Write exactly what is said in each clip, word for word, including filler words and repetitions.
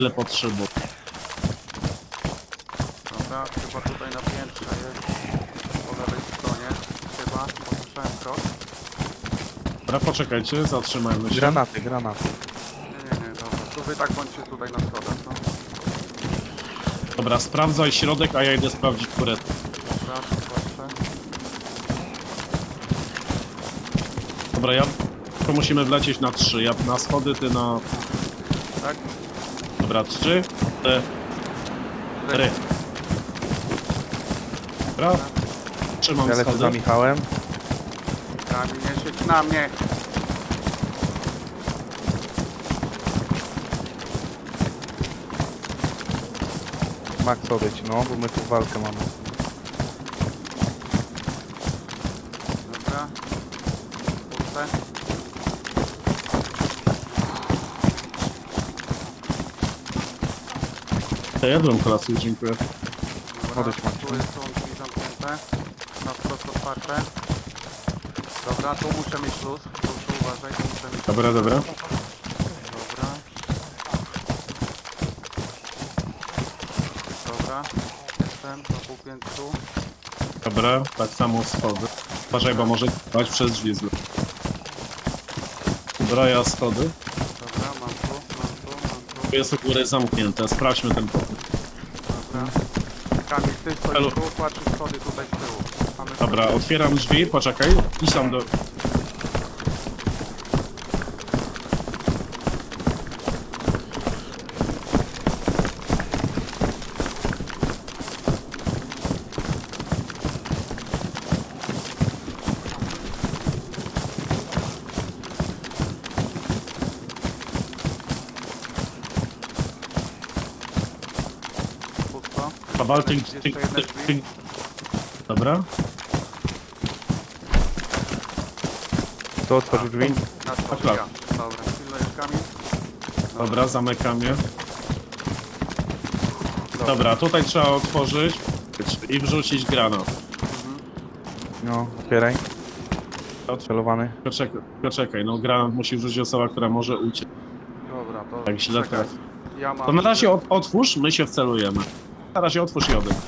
Tyle potrzeba. Dobra, chyba tutaj na piętrze jest. Po lewej stronie. Chyba, bo słyszałem krok. Dobra, poczekajcie, zatrzymajmy się. Granaty, granaty. Nie, nie, nie, dobra. Tu wy tak bądźcie tutaj na schodach, no. Dobra, sprawdzaj środek, a ja idę sprawdzić górę. Dobra, tu patrzę. Dobra, ja... To musimy wlecieć na trzy. Ja na schody, ty na... Tak? Dobra, trzy, cztery. Dobra. Trzymam Ja lecę za schody. Michałem. Kamil, nie siedź na mnie! Max odejdź, no, bo my tu walkę mamy. Dobra. Puste. Ja jadłem kolację, dziękuję. Dobra, Odejdź, Max. tu jest, są drzwi zamknięte. Na wprost otwarte. Dobra, tu muszę mieć luz. Proszę uważaj, tu muszę mieć Dobra, dobra. Dobra. Dobra. Jestem na półpiętru. Dobra, tak samo schody. Uważaj, bo może dać przez drzwi zle. Dobra, ja schody. Dobra, mam tu, mam tu, mam tu. Tu jest u góry zamknięte, sprawdźmy ten pokój. Dobra. Kamil, ty Halo. stoisz tu, patrzysz schody tutaj z tyłu. Mamy Dobra, schody. otwieram drzwi, poczekaj. Idź tam do... Pusto. Kawal, ty, Jeszcze ty, jedne ty, drzwi. ty... Dobra. To otworzył drzwi. Na to, tak. ja. Dobra, pilnujesz Kamil. Dobra, zamykam je. Dobra, tutaj trzeba otworzyć i wrzucić granat. No, otwieraj. Celowany. Poczekaj, poczekaj, no granat musi wrzucić osoba, która może uciec. Dobra, to Tak źle czekaj. trafi. Ja mam... To na razie od, otwórz, my się wcelujemy. Na razie otwórz i odejdź.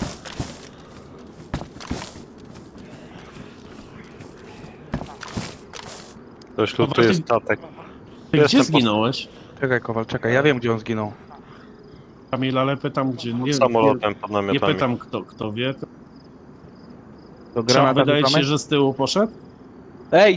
Ktoś tu, Dobra, tu ty- jest statek. Ty Jestem gdzie po- zginąłeś? Czekaj, Kowal, czekaj, ja wiem, gdzie on zginął. Kamil, ale pytam gdzie. Nie, nie, Samolotem pod nie namiotami. pytam kto, kto wie. Do Trzeba, granata wydaje ci rzucamy? się, że z tyłu poszedł? Ej!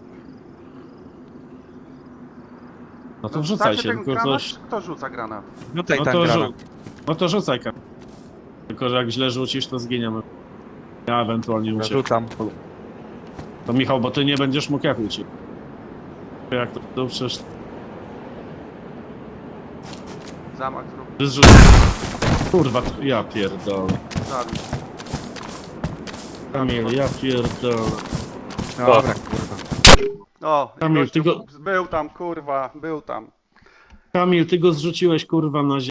No to No, wrzucaj znaczy się, ten tylko granat? coś... Kto rzuca granat? Rzucaj No ten to, granat. rzu... no to rzucaj Kamil. Tylko, że jak źle rzucisz, to zginiemy. Ja ewentualnie Ja uciekam. rzucam. To Michał, bo ty nie będziesz mógł jak uciec. Jak to, to przecież... Zamach zrób. Ty zrzu... Kurwa, to ja pierdolę. Zabił. Kamil, ja pierdolę. Dobra, kurwa. O, i Kamil, gościu ty go- był tam, kurwa, był tam. Kamil, ty go zrzuciłeś kurwa na ziemię.